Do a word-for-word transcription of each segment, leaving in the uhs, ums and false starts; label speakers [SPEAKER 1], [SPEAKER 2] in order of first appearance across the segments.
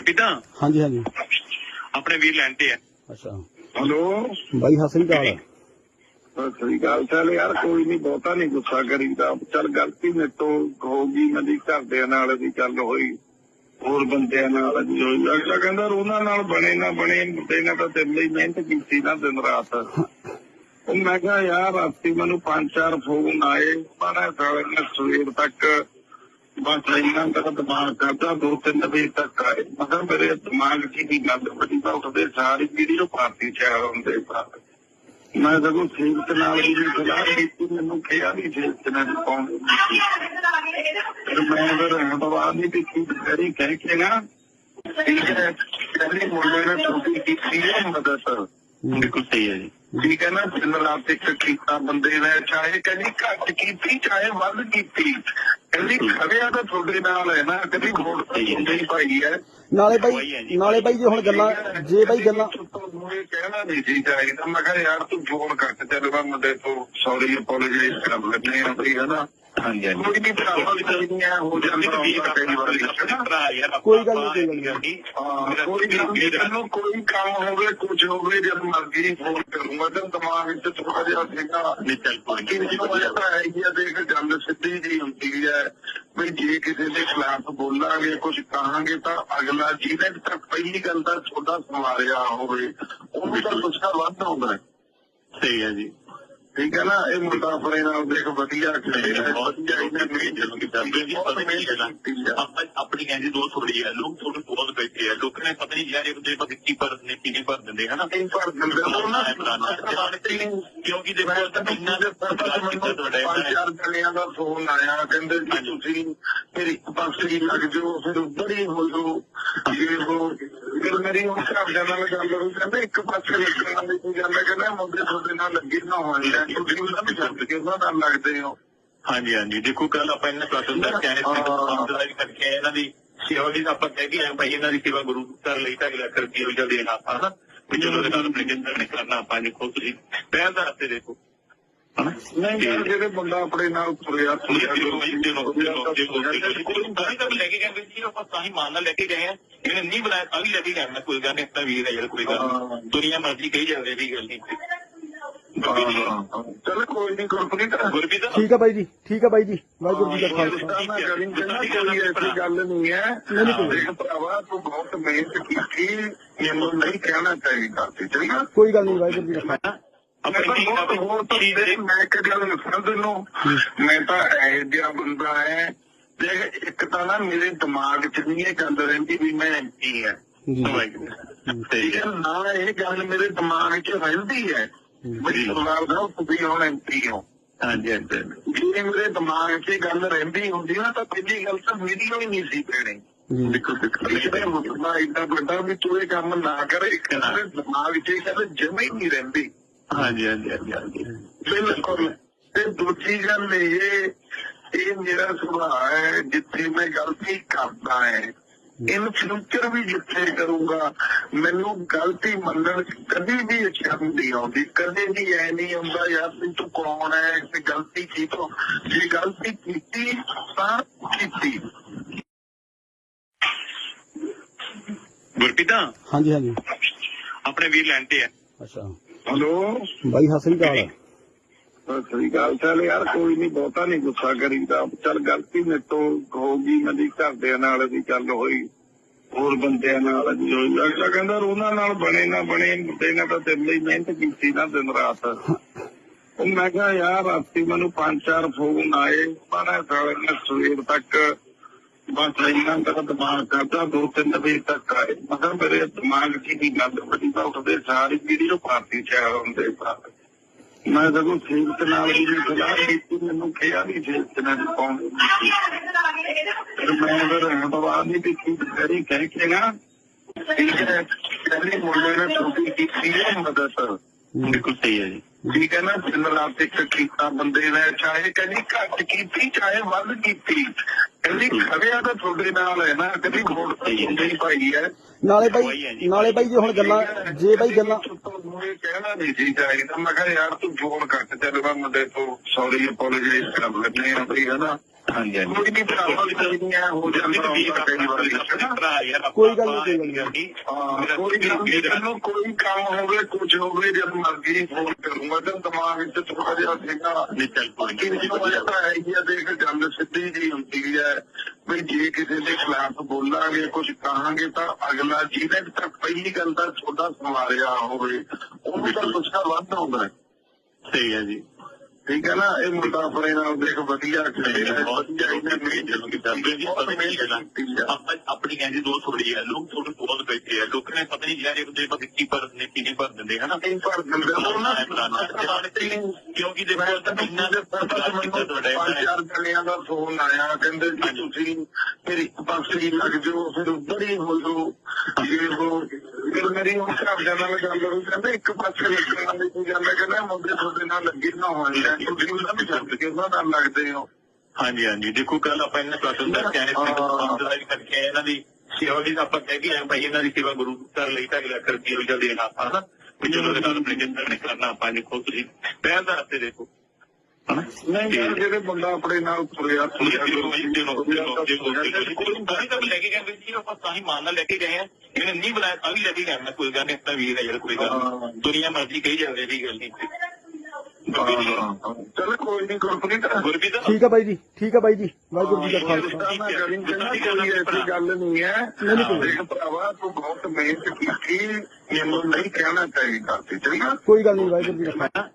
[SPEAKER 1] ਗੁਰਪ੍ਰੀਤ
[SPEAKER 2] ਹਾਂਜੀ ਹਾਂਜੀ
[SPEAKER 1] ਆਪਣੇ ਵੀਰ ਲੈਣ ਤੇ ਆ।
[SPEAKER 2] ਅੱਛਾ
[SPEAKER 3] हेलो
[SPEAKER 2] ਬਾਈ ਸਤਿ ਸ੍ਰੀ ਅਕਾਲ।
[SPEAKER 3] सत श्रीकाल। चल यार कोई नहीं बहुता नहीं गुस्सा करीदा। चल गलती मेरे तो होगी मेरी घरदियां नाल दी गल होई होर बंदियां नाल दी होई। अगला कहंदा ਉਹਨਾਂ ਨਾਲ बने ना बने मुंडे ने तां तेरे ਲਈ ਮਿਹਨਤ ਕੀਤੀ ना दिन रात। ਉਹ मैं कहा यार राती मैनू पांच चार फोन आए पर साले ने सवेर तक बस इन्ना मेरा दिमाग करता दो तीन बजे तक आए। मतलब मेरे दिमाग की भी गल बड़ी तो उठते सारी वीडियो पार्टी शहर होंगे साथ मैं सगों सेवक नाल भी सलाह की मैनू कहा भी सेवक ने पाउंड मैं फिर दवा नहीं पीती करी कह के ना पहले मुंडे ने छोटी की मदद
[SPEAKER 1] बिल्कुल सही है जी।
[SPEAKER 3] ठीक है ना दिन रात एक कीता बंदे ने चाहे कभी घट की चाहे वध की कभी खड़िया तो थोड़े नाल है ना कभी वोट ही पाई है
[SPEAKER 2] ਨਾਲੇ ਬਾਈ ਨਾਲੇ ਬਾਈ ਜੇ ਹੁਣ ਗੱਲਾਂ ਜੇ ਬਾਈ ਗੱਲਾਂ
[SPEAKER 3] ਕਹਿਣਾ ਨਹੀਂ ਸੀ ਚਾਹੀਦਾ। ਮੈਂ ਕਿਹਾ ਯਾਰ ਤੂੰ ਫੋਨ ਕੱਟ ਚੱਲ ਮੈਂ ਮੁੰਡੇ ਤੋਂ ਸੌਰੀ ਅਪੋਲੋਜਾਈਜ਼ ਕਰ ਲੈਣੇ ਆ ਬਈ ਹਨਾ।
[SPEAKER 1] ਹਾਂਜੀ ਹਾਂਜੀ
[SPEAKER 3] ਕੋਈ ਨਹੀਂ ਭਰਾਵਾਂ ਚਾਹੀਦੀਆਂ ਹੋ ਜਾਂਦਾ ਕਈ ਵਾਰੀ
[SPEAKER 2] ਕੋਈ ਗੱਲ ਨਹੀਂ ਕੋਈ ਗੱਲ ਨਹੀਂ
[SPEAKER 3] ਮੈਨੂੰ ਕੋਈ ਕੰਮ ਹੋਵੇ ਕੁਝ ਹੋਵੇ ਜਦ ਮਰਜ਼ੀ ਫੋਨ ਕਰੂੰਗਾ ਤੇ ਦਿਮਾਗ ਵਿੱਚ ਥੋੜਾ ਜਿਹਾ ਸੀਗਾ
[SPEAKER 1] ਨਿਕਲ
[SPEAKER 3] ਬਾਕੀ ਮੈਨੂੰ ਤਾਂ ਹੈ ਹੀ ਆ ਦੇਖ ਗੱਲ ਸਿੱਧੀ ਜੀ ਹੁੰਦੀ ਹੈ ਵੀ ਜੇ ਕਿਸੇ ਦੇ ਖਿਲਾਫ ਬੋਲਾਂਗੇ ਕੁਝ ਕਹਾਂਗੇ ਤਾਂ ਅਗਲਾ ਜਿਹਨੇ ਤੱਕ ਪਹਿਲੀ ਗੱਲ ਤਾਂ ਤੁਹਾਡਾ ਸਵਾਰਿਆ ਹੋਵੇ ਉਹਨੂੰ ਤਾਂ ਗੁੱਸਾ ਵੱਧ ਆਉਂਦਾ ਹੈ।
[SPEAKER 1] ਸਹੀ ਹੈ ਜੀ
[SPEAKER 3] ਠੀਕ ਹੈ ਨਾ ਇਹ ਮੁੰਡਾ ਆਪਣੇ ਨਾਲ ਦੇਖ ਵਧੀਆ ਖੇਡਿਆ ਵਧੀਆ ਇਹਨੇ ਮੇਰੀ
[SPEAKER 1] ਆਪਣੀ ਕਹਿੰਦੀ ਦੋ ਥੋੜੀ ਹੈ ਲੋਕ ਥੋੜੇ ਬਹੁਤ ਬੈਠੇ ਆ ਲੋਕਾਂ ਨੇ ਪਤਾ ਨਹੀਂ ਯਾਰ ਇੱਕ ਦੂਜੇ ਪਰ ਕੀ ਭਰ ਨੇ ਕੀ ਭਰ ਦਿੰਦੇ ਹਨਾ
[SPEAKER 3] ਭਰ ਦਿੰਦੇ
[SPEAKER 1] ਕਿਉਂਕਿ ਦੇਖੋ ਇੰਨਾ ਦੇ
[SPEAKER 3] ਪੰਜ ਚਾਰ ਜਣਿਆਂ ਦਾ ਫੋਨ ਆਇਆ ਕਹਿੰਦੇ ਜੀ ਤੁਸੀਂ ਫਿਰ ਇੱਕ ਪਾਸੇ ਹੀ ਲੱਗ ਜਾਓ ਫਿਰ ਉੱਧਰ ਹੀ ਹੋ ਜਾਓ ਫਿਰ ਮੇਰੀ ਹੁਣ ਘਰਦਿਆਂ ਨਾਲ ਗੱਲ ਹੋਈ ਕਹਿੰਦੇ ਇੱਕ ਪਾਸੇ ਲੱਗਣ ਨਾਲ ਕੀ ਗੱਲ ਹੈ ਕਹਿੰਦਾ ਮੁੰਡੇ ਤੁਹਾਡੇ ਨਾਲ ਲੱਗੇ ਨਾ ਹੋਣ ਤੁਸੀਂ ਉਹਨਾਂ ਨੂੰ ਛੱਡ ਕੇ ਉਹਨਾਂ ਨਾਲ ਲੱਗਦੇ ਹੋ।
[SPEAKER 1] ਹਾਂਜੀ ਹਾਂਜੀ ਦੇਖੋ ਕੱਲ ਆਪਾਂ ਇਹਨਾਂ ਕਲਾਸਾਂ ਕਰਕੇ ਆਏ ਵੀ ਕਰਕੇ ਆਏ ਇਹਨਾਂ ਦੀ ਸੇਵਾ ਵੀ ਆਪਾਂ ਕਹਿ ਕੇ ਆਏ ਭਾਈ ਇਹਨਾਂ ਦੀ ਸੇਵਾ ਗੁਰੂ ਘਰ ਲਈ ਢਾਈ ਲੱਖ ਰੁਪਏ ਰੋਜ਼ਾ ਦੇਣਾ ਆਪਾਂ ਹਨਾ ਵੀ ਚਲੋ ਇਹਦੇ ਨਾਲ ਆਪਣੇ ਜਿੰਦਰ ਨੇ ਕਰਨਾ ਆਪਾਂ ਦੇਖੋ ਤੁਸੀਂ ਪਹਿਲ ਦਾ ਹੱਥੇ ਦੇਖੋ
[SPEAKER 3] ਨਹੀਂ ਯਾਰ ਜਿਹੜੇ ਬੰਦਾ ਆਪਣੇ ਨਾਲ ਤੁਰਿਆ
[SPEAKER 1] ਲੈ ਕੇ ਗਏ ਜੀ ਆਪਾਂ ਤਾਂ ਹੀ ਮਾਨ ਨਾਲ ਲੈ ਕੇ ਗਏ ਆ ਇਹਨੇ ਨਹੀਂ ਬੁਲਾਇਆ ਤਾਂ ਵੀ ਲੈ ਕੇ ਗਏ ਕੋਈ ਗੱਲ ਨਹੀਂ ਆਪਣਾ ਵੀਰ ਹੈ ਯਾਰ ਕੋਈ ਗੱਲ ਦੁਨੀਆ ਮਰਜ਼ੀ ਕਹੀ ਜਾਂਦੇ ਵੀ ਗੱਲ ਨਹੀਂ
[SPEAKER 3] ਚਲੋ ਕੋਈ ਨਹੀਂ ਗੁਰਪ੍ਰੀਤ
[SPEAKER 1] ਗੁਰਪ੍ਰੀਤ
[SPEAKER 2] ਠੀਕ ਹੈ ਬਾਈ ਜੀ ਠੀਕ ਹੈ ਬਾਈ ਜੀ ਵਾਹਿਗੁਰੂ ਜੀ ਦਾ ਖਾਲਸਾ।
[SPEAKER 3] ਕੋਈ ਐਸੀ ਗੱਲ ਨਹੀਂ ਹੈ ਦੇਖ ਭਰਾਵਾ ਤੂੰ ਬਹੁਤ ਮਿਹਨਤ ਕੀਤੀ ਮੈਨੂੰ ਨਹੀਂ ਕਹਿਣਾ ਚਾਹੀਦਾ ਸੀ ਠੀਕ ਹੈ
[SPEAKER 2] ਕੋਈ ਗੱਲ ਨਹੀਂ ਵਾਹਿਗੁਰੂ ਜੀ ਦਾ ਖਾਲਸਾ।
[SPEAKER 3] ਮੈਂ ਇੱਕ ਗੱਲ ਦੱਸਾਂ ਤੈਨੂੰ ਮੈਂ ਤਾਂ ਇਹੋ ਜਿਹਾ ਬੰਦਾ ਹੈ ਦੇਖ ਇੱਕ ਤਾਂ ਨਾ ਮੇਰੇ ਦਿਮਾਗ ਚ ਨਹੀਂ ਇਹ ਗੱਲ ਰਹਿੰਦੀ ਵੀ ਮੈਂ ਐਮਪੀ ਹੈ ਠੀਕ ਹੈ ਨਾ ਇਹ ਗੱਲ ਮੇਰੇ ਦਿਮਾਗ ਚ ਰਹਿੰਦੀ ਹੈ ਬੜੀ ਸਵਾਲ ਦਾ ਤੁਸੀਂ ਹੁਣ ਐਮਪੀ ਹੋ।
[SPEAKER 1] ਹਾਂਜੀ ਹਾਂਜੀ
[SPEAKER 3] ਜੇ ਮੇਰੇ ਦਿਮਾਗ ਚ ਇਹ ਗੱਲ ਰਹਿੰਦੀ ਹੁੰਦੀ ਨਾ ਤਾਂ ਪਹਿਲੀ ਗੱਲ ਤਾਂ ਵੀਡੀਓ ਹੀ ਨਹੀਂ ਸੀ ਪੈਣੀ।
[SPEAKER 1] ਦੇਖੋ
[SPEAKER 3] ਮੁੱਦਾ ਏਡਾ ਵੱਡਾ ਵੀ ਤੂੰ ਇਹ ਕੰਮ ਨਾ ਕਰੇ ਇੱਕ ਦਿਮਾਗ ਚ ਇਹ ਗੱਲ ਜਮਾ ਹੀ ਨਹੀਂ ਰਹਿੰਦੀ।
[SPEAKER 1] ਹਾਂਜੀ ਹਾਂਜੀ ਹਾਂਜੀ ਹਾਂਜੀ
[SPEAKER 3] ਬਿਲਕੁਲ ਤੇ ਦੂਜੀ ਗੱਲ ਇਹ ਇਹ ਮੇਰਾ ਸੁਭਾਅ ਹੈ ਜਿੱਥੇ ਮੈਂ ਗਲਤੀ ਕਰਦਾ ਹੈ ਇਨ ਫਿਊਚਰ ਵੀ ਜਿੱਥੇ ਕਰੂੰਗਾ ਮੈਨੂੰ ਗਲਤੀ ਮੰਨਣ ਕਦੀ ਵੀ ਸ਼ਰਮ ਨਹੀਂ ਆਉਂਦੀ ਕਦੇ ਵੀ ਐ ਨਹੀਂ ਆਉਂਦਾ ਯਾਰ ਤੂੰ ਕੌਣ ਹੈ ਤੇ ਗਲਤੀ ਕੀ ਤੋਂ ਜੇ ਗਲਤੀ ਕੀਤੀ ਤਾਂ ਕੀਤੀ।
[SPEAKER 1] ਗੁਰਪ੍ਰੀਤ
[SPEAKER 2] ਹਾਂਜੀ ਹਾਂਜੀ
[SPEAKER 1] ਆਪਣੇ ਵੀਰ ਲੈਣ ਤੇ ਆ।
[SPEAKER 2] ਅੱਛਾ
[SPEAKER 3] ਹੈਲੋ
[SPEAKER 2] ਬਾਈ ਸਤਿ ਸ੍ਰੀ ਅਕਾਲ।
[SPEAKER 3] ਸਤਿ ਸ੍ਰੀ ਅਕਾਲ। ਚੱਲ ਯਾਰ ਕੋਈ ਨਹੀਂ ਬਹੁਤਾ ਨਹੀਂ ਗੁੱਸਾ ਕਰੀਦਾ। ਚੱਲ ਗਲਤੀ ਮੇਰੇ ਤੋਂ ਹੋਗੀ ਮੇਰੀ ਘਰਦਿਆਂ ਨਾਲ ਦੀ ਗੱਲ ਹੋਈ ਹੋਰ ਬੰਦਿਆਂ ਨਾਲ ਦੀ ਹੋਈ। ਅਗਲਾ ਕਹਿੰਦਾ ਉਹਨਾਂ ਨਾਲ ਬਣੇ ਨਾ ਬਣੇ ਮੁੰਡੇ ਨੇ ਤਾਂ ਤੇਰੇ ਲਈ ਮਿਹਨਤ ਕੀਤੀ ਨਾ ਦਿਨ ਰਾਤ। ਉਹ ਮੈਂ ਕਿਹਾ ਯਾਰ ਰਾਤੀ ਮੈਨੂੰ ਪੰਜ ਚਾਰ ਫੋਨ ਆਏ ਪਰ ਸਾਲੇ ਨੇ ਸਵੇਰ ਤੱਕ ਬਸ ਇੰਨਾ ਮੇਰਾ ਦਿਮਾਗ ਕਰਦਾ ਦੋ ਤਿੰਨ ਵਜੇ ਤੱਕ ਆਏ। ਮਤਲਬ ਮੇਰੇ ਦਿਮਾਗ ਦੀ ਵੀ ਗੱਲ ਬੜੀ ਤਾਂ ਉੱਠਦੇ ਸਾਰੀ ਵੀਡੀਓ ਪਾਰਟੀ ਸ਼ਹਿਰ ਹੁੰਦੇ ਸਾਥ ਮੈਂ ਸਗੋਂ ਸੇਵਕ ਨਾਲ ਵੀ ਸਲਾਹ ਕੀਤੀ ਮੈਨੂੰ ਕਿਹਾ ਵੀ ਸੇਵਕ ਨੇ ਪਾਉਂਡ ਮੈਂ ਫਿਰ ਦਵਾ ਨਹੀਂ ਪੀਤੀ ਕਰੀ ਕਹਿ ਕੇ ਨਾ ਪਹਿਲੇ ਮੁੰਡੇ ਨੇ ਛੋਟੀ ਕੀਤੀ ਮਦਦ
[SPEAKER 1] ਬਿਲਕੁਲ ਸਹੀ ਹੈ ਜੀ।
[SPEAKER 3] ਠੀਕ ਹੈ ਨਾ, ਦਿਨ ਰਾਤ ਇੱਕ ਕੀਤਾ ਬੰਦੇ ਨੇ, ਚਾਹੇ ਕਹਿੰਦੀ ਘੱਟ ਕੀਤੀ ਚਾਹੇ ਵੱਧ ਕੀਤੀ, ਕਹਿੰਦੀ ਖੜਿਆ ਤਾਂ ਤੁਹਾਡੇ ਨਾਲ ਹੈ ਨਾ, ਕਹਿੰਦੀ ਵੋਟ ਤਾਂ ਹੁੰਦੀ ਪਾਈ ਹੈ।
[SPEAKER 2] ਨਾਲੇ ਬਾਈ ਨਾਲੇ ਬਾਈ ਜੇ ਹੁਣ ਗੱਲਾਂ ਜੇ ਬਾਈ ਗੱਲਾਂ
[SPEAKER 3] ਇਹ ਕਹਿਣਾ ਨਹੀਂ ਸੀ ਚਾਹੀਦਾ। ਮੈਂ ਕਿਹਾ ਯਾਰ ਤੂੰ ਫੋਨ ਕੱਟ ਚੱਲ ਮੈਂ ਮੁੰਡੇ ਤੋਂ ਸੌਰੀ ਅਪੋਲੋਜਾਈਜ਼ ਕਰ ਲੈਂਦੇ ਆ ਬਈ, ਹਨਾ।
[SPEAKER 1] ਹਾਂਜੀ ਹਾਂਜੀ
[SPEAKER 3] ਕੋਈ ਨਹੀਂ ਭਰਾਵਾਂ ਹੋ ਜਾਂਦਾ ਕਈ ਵਾਰੀ,
[SPEAKER 2] ਕੋਈ ਗੱਲ ਨਹੀਂ
[SPEAKER 3] ਹਾਂ ਕੋਈ ਗੱਲ ਕੋਈ ਕੰਮ ਹੋਵੇ ਕੁਝ ਹੋਵੇ ਜਦ ਮਰਜ਼ੀ ਫੋਨ ਕਰੂੰਗਾ। ਤੇ ਦਿਮਾਗ ਵਿੱਚ ਥੋੜਾ ਜਿਹਾ ਸੀਗਾ ਬਾਕੀ ਤਾਂ ਹੈ ਹੀ ਆ। ਦੇਖ ਗੱਲ ਸਿੱਧੀ ਜਿਹੀ ਹੁੰਦੀ ਹੈ ਬਈ ਜੇ ਕਿਸੇ ਦੇ ਖਿਲਾਫ ਬੋਲਾਂਗੇ ਕੁਝ ਕਹਾਂਗੇ ਤਾਂ ਅਗਲਾ ਜਿਹਨੇ ਤੱਕ ਪਹਿਲੀ ਗੱਲ ਤਾਂ ਤੁਹਾਡਾ ਸਮਾਰਿਆ ਹੋਵੇ ਉਹਨੂੰ ਤਾਂ ਗੁੱਸਾ ਵੱਧ ਆਉਂਦਾ ਹੈ।
[SPEAKER 1] ਸਹੀ ਹੈ ਜੀ,
[SPEAKER 3] ਠੀਕ ਹੈ ਨਾ। ਇਹ ਮੁੰਡਾ ਆਪਣੇ ਨਾਲ ਦੇਖ ਵਧੀਆ
[SPEAKER 1] ਆਪਣੀ ਕਹਿੰਦੀ ਦੋ ਥੋੜੀ ਹੈ, ਲੋਕ ਥੋੜੇ ਬਹੁਤ ਬੈਠੇ ਆ, ਲੋਕਾਂ ਨੇ ਪਤਾ ਨਹੀਂ ਯਾਰ ਇੱਕ ਦੂਜੇ ਪਰ ਕੀ ਭਰ ਦਿੰਦੇ ਕੀ ਭਰ ਦਿੰਦੇ ਹਨਾ। ਕਿਉਂਕਿ ਦੇਖੋ ਇੰਨਾ
[SPEAKER 3] ਪੰਜ ਚਾਰ ਜਣਿਆਂ ਦਾ ਫੋਨ ਆਇਆ, ਕਹਿੰਦੇ ਜੀ ਤੁਸੀਂ ਫਿਰ ਇੱਕ ਪਾਸੇ ਹੀ ਲੱਗ ਜਾਓ, ਫਿਰ ਉੱਧਰ ਹੀ ਹੋ ਜਾਓ। ਫਿਰ ਮੇਰੀ ਹੁਣ ਘਰਦਿਆਂ ਨਾਲ ਗੱਲ ਹੋਈ, ਕਹਿੰਦੇ ਇੱਕ ਪਾਸੇ ਲੱਗਣ ਵਾਲੀ ਕੋਈ ਗੱਲ ਹੈ, ਕਹਿੰਦਾ ਮੁੰਡੇ ਤੁਹਾਡੇ ਨਾਲ ਲੱਗੇ ਨਾ ਹੋਣ ਤੁਸੀਂ ਉਹਨਾਂ ਨੂੰ ਛੱਡ ਕੇ ਉਹਨਾਂ ਨਾਲ ਲੱਗਦੇ ਹੋ।
[SPEAKER 1] ਹਾਂਜੀ ਹਾਂਜੀ, ਦੇਖੋ ਕੱਲ ਆਪਾਂ ਇਹਨਾਂ ਕਲਾਸ ਕਰਕੇ ਆਏ ਕਰਕੇ ਇਹਨਾਂ ਦੀ ਸੇਵਾ ਵੀ ਆਪਾਂ ਕਹਿ ਕੇ ਆਏ ਭਾਈ, ਇਹਨਾਂ ਦੀ ਸੇਵਾ ਗੁਰੂ ਘਰ ਲਈ ਢਾਈ ਲੱਖ ਰੁਪਏ ਰੋਜ਼ਾ ਦੇਣਾ ਆਪਾਂ ਨਾ, ਵੀ ਚਲੋ ਇਹਦੇ ਨਾਲ ਆਪਣੇ ਜਿੰਦਰ ਨੇ ਕਰਨਾ ਆਪਾਂ। ਦੇਖੋ ਤੁਸੀਂ ਪਹਿਲ ਦਾ ਰਸਤੇ ਦੇਖੋ ਹਨਾ।
[SPEAKER 3] ਨਹੀਂ ਯਾਰ ਜਿਹੜੇ ਬੰਦਾ ਆਪਣੇ ਨਾਲ ਤੁਰਿਆ
[SPEAKER 1] ਲੈ ਕੇ ਗਏ ਜੀ ਆਪਾਂ ਤਾਂ ਹੀ ਮਾਨ ਨਾਲ ਲੈ ਕੇ ਗਏ ਆ, ਇਹਨੇ ਨਹੀਂ ਬੁਲਾਇਆ ਤਾਂ ਵੀ ਲੈ ਕੇ ਗਏ। ਕੋਈ ਗੱਲ ਨਹੀਂ, ਆਪਣਾ ਵੀਰ ਹੈ ਯਾਰ, ਕੋਈ ਗੱਲ ਦੁਨੀਆ ਮਰਜ਼ੀ ਕਹੀ ਜਾਂਦੇ ਦੀ ਗੱਲ ਨਹੀਂ।
[SPEAKER 3] ਚਲੋ ਕੋਈ ਨੀ ਗੁਰਪ੍ਰੀਤ,
[SPEAKER 2] ਠੀਕ ਹੈ ਬਾਈ ਜੀ, ਠੀਕ ਹੈ ਬਾਈ ਜੀ, ਵਾਹਿਗੁਰੂ ਜੀ ਦਾ ਖਾਲਸਾ।
[SPEAKER 3] ਕੋਈ ਐਸੀ ਗੱਲ ਨਹੀਂ ਹੈ। ਦੇਖ ਭਰਾਵਾ ਤੂੰ ਬਹੁਤ ਮਿਹਨਤ ਕੀਤੀ, ਮੈਨੂੰ ਨਹੀਂ ਕਹਿਣਾ ਚਾਹੀਦਾ ਸੀ, ਠੀਕ ਹੈ।
[SPEAKER 2] ਕੋਈ ਗੱਲ ਨਹੀਂ, ਵਾਹਿਗੁਰੂ ਜੀ ਦਾ ਖਾਲਸਾ।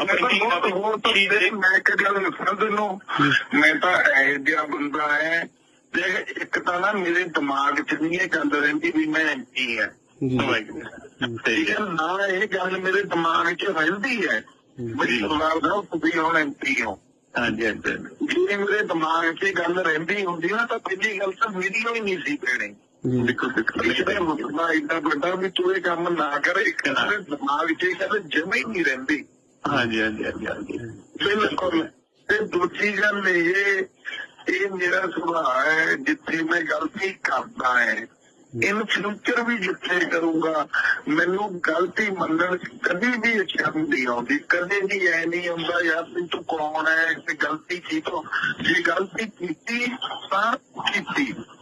[SPEAKER 3] ਮੈਂ ਇੱਕ ਗੱਲ ਦੱਸਾਂ ਤੈਨੂੰ, ਮੈਂ ਤਾਂ ਇਹੋ ਜਿਹਾ ਬੰਦਾ ਹੈ ਦੇਖ, ਇੱਕ ਤਾਂ ਨਾ ਮੇਰੇ ਦਿਮਾਗ ਚ ਨਹੀਂ ਇਹ ਗੱਲ ਰਹਿੰਦੀ ਵੀ ਮੈਂ ਐਮਪੀ ਹੈ, ਠੀਕ ਹੈ ਨਾ। ਇਹ ਗੱਲ ਮੇਰੇ ਦਿਮਾਗ ਚ ਰਹਿੰਦੀ ਹੈ ਬੜੀ ਸਵਾਲ ਦਾ ਤੁਸੀਂ ਹੁਣ ਐਮਪੀ ਹੋ।
[SPEAKER 1] ਹਾਂਜੀ ਹਾਂਜੀ,
[SPEAKER 3] ਜੇ ਮੇਰੇ ਦਿਮਾਗ ਚ ਗੱਲ ਰਹਿੰਦੀ ਹੁੰਦੀ ਨਾ ਤਾਂ ਪਹਿਲੀ ਗੱਲ ਤਾਂ ਵੀਡੀਓ ਹੀ ਨਹੀਂ ਸੀ ਪੈਣੀ। ਦੇਖੋ ਮੁੱਦਾ ਏਡਾ ਵੱਡਾ ਵੀ ਤੂੰ ਇਹ ਕੰਮ ਨਾ ਕਰੇ, ਇੱਕ ਦਿਮਾਗ ਚ ਇਹ ਗੱਲ ਜਮਾ ਹੀ ਨਹੀਂ ਰਹਿੰਦੀ।
[SPEAKER 1] ਹਾਂਜੀ ਹਾਂਜੀ ਹਾਂਜੀ ਹਾਂਜੀ,
[SPEAKER 3] ਬਿਲਕੁਲ। ਤੇ ਦੂਜੀ ਗੱਲ ਇਹ ਇਹ ਮੇਰਾ ਸੁਭਾਅ ਹੈ, ਜਿੱਥੇ ਮੈਂ ਗਲਤੀ ਕਰਦਾ ਹੈ ਇਨ ਫਿਊਚਰ ਵੀ ਜਿੱਥੇ ਕਰੂੰਗਾ ਮੈਨੂੰ ਗਲਤੀ ਮੰਨਣ ਕਦੀ ਵੀ ਸ਼ਰਮ ਨਹੀਂ ਆਉਂਦੀ, ਕਦੇ ਵੀ ਐ ਨਹੀਂ ਆਉਂਦਾ ਯਾਰ ਵੀ ਤੂੰ ਕੌਣ ਹੈ ਤੇ ਗਲਤੀ ਕੀ ਤੋਂ। ਜੇ ਗਲਤੀ ਕੀਤੀ ਤਾਂ ਕੀਤੀ।